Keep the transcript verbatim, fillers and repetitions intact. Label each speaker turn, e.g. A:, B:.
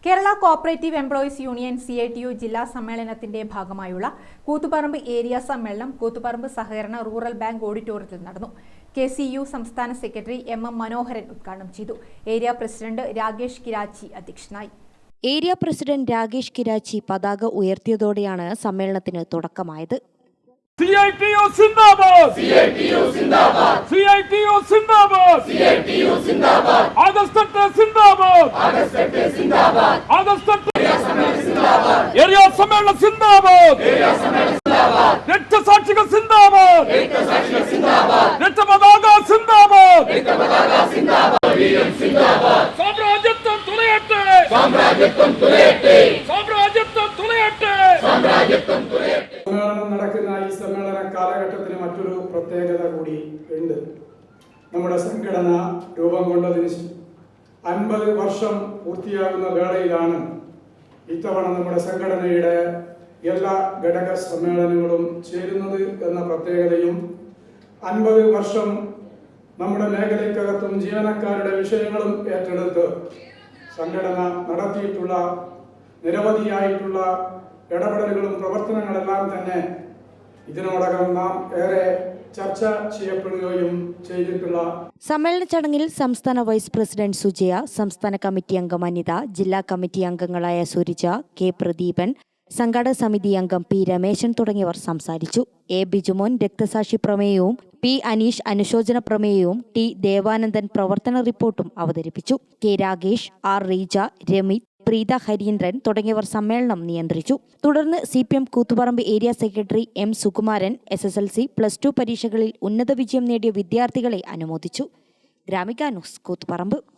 A: Kerala cooperative employees union C I T U ജില്ലാ സമ്മേളനത്തിന്റെ ഭാഗമായുള്ള കൂത്തുപറമ്പ് ഏരിയ സമ്മേളനം കൂത്തുപറമ്പ് സഹകരണ റൂറൽ ബാങ്ക് ഓഡിറ്റോറിയത്തിൽ നടന്നു. കെ സി യു സംസ്ഥാന സെക്രട്ടറി എം എം മനോഹരൻ ഉദ്ഘാടനം ചെയ്തു. ഏരിയ പ്രസിഡന്റ് രാകേഷ് കിരാച്ചി അധ്യക്ഷനായി.
B: ഏരിയ പ്രസിഡന്റ് രാകേഷ് കിരാച്ചി പതാക ഉയർത്തിയതോടെയാണ് സമ്മേളനത്തിന് തുടക്കമായത്.
C: C I T U Zindabad! C I T U Zindabad! C I T U Zindabad! C I T U Zindabad! August Zindabad! August Zindabad! August Area Sammelana Zindabad! Area Sammelana Zindabad! Area Sammelana Zindabad! Rekta Sakshika Zindabad! Rekta Sakshika Zindabad! Rekta Padaga Zindabad! Rekta Padaga Zindabad! Veeram Zindabad! Samrajyatvam Tulayate! Samrajyatvam Tulayate! Samrajyatvam Tulayate! Samrajyatvam Tulayate!
D: സമ്മേളനം നടക്കുന്ന ഈ സമ്മേളന കാലഘട്ടത്തിന് മറ്റൊരു പ്രത്യേകത കൂടി ഉണ്ട്. നമ്മുടെ സംഘടന രൂപം കൊണ്ടതിന് അൻപത് വർഷം പൂർത്തിയാകുന്ന വേളയിലാണ് ഇത്തവണ നമ്മുടെ സംഘടനയുടെ എല്ലാ ഘടക സമ്മേളനങ്ങളും ചേരുന്നത് എന്ന പ്രത്യേകതയും അൻപത് വർഷം നമ്മുടെ മേഖലയ്ക്കകത്തും ജീവനക്കാരുടെ വിഷയങ്ങളും ഏറ്റെടുത്ത് സംഘടന നടത്തിയിട്ടുള്ള നിരവധിയായിട്ടുള്ള ഇടപെടലുകളും പ്രവർത്തനങ്ങളെല്ലാം തന്നെ ഇതിനോടകം നാം ഏറെ ചർച്ച ചെയ്യപ്പെടുകയും ചെയ്തിട്ടുള്ള
B: സമ്മേളന ചടങ്ങിൽ സംസ്ഥാന വൈസ് പ്രസിഡന്റ് സുജയ, സംസ്ഥാന കമ്മിറ്റി അംഗം അനിത, ജില്ലാ കമ്മിറ്റി അംഗങ്ങളായ സുരിജ, കെ പ്രദീപൻ, സംഘാടക സമിതി അംഗം പി രമേശൻ തുടങ്ങിയവർ സംസാരിച്ചു. എ ബിജുമോൻ രക്തസാക്ഷി പ്രമേയവും പി അനീഷ് അനുശോചന പ്രമേയവും ടി ദേവാനന്ദൻ പ്രവർത്തന റിപ്പോർട്ടും അവതരിപ്പിച്ചു. കെ രാകേഷ്, ആർ റീജ, രമിത്, പ്രീത ഹരീന്ദ്രൻ തുടങ്ങിയവർ സമ്മേളനം നിയന്ത്രിച്ചു. തുടർന്ന് C P M Koothuparamba area secretary M Sukumaran S S L C plus two പരീക്ഷകളിൽ ഉന്നത വിജയം നേടിയ വിദ്യാർത്ഥികളെ അനുമോദിച്ചു. ഗ്രാമിക ന്യൂസ്, കൂത്തുപറമ്പ്.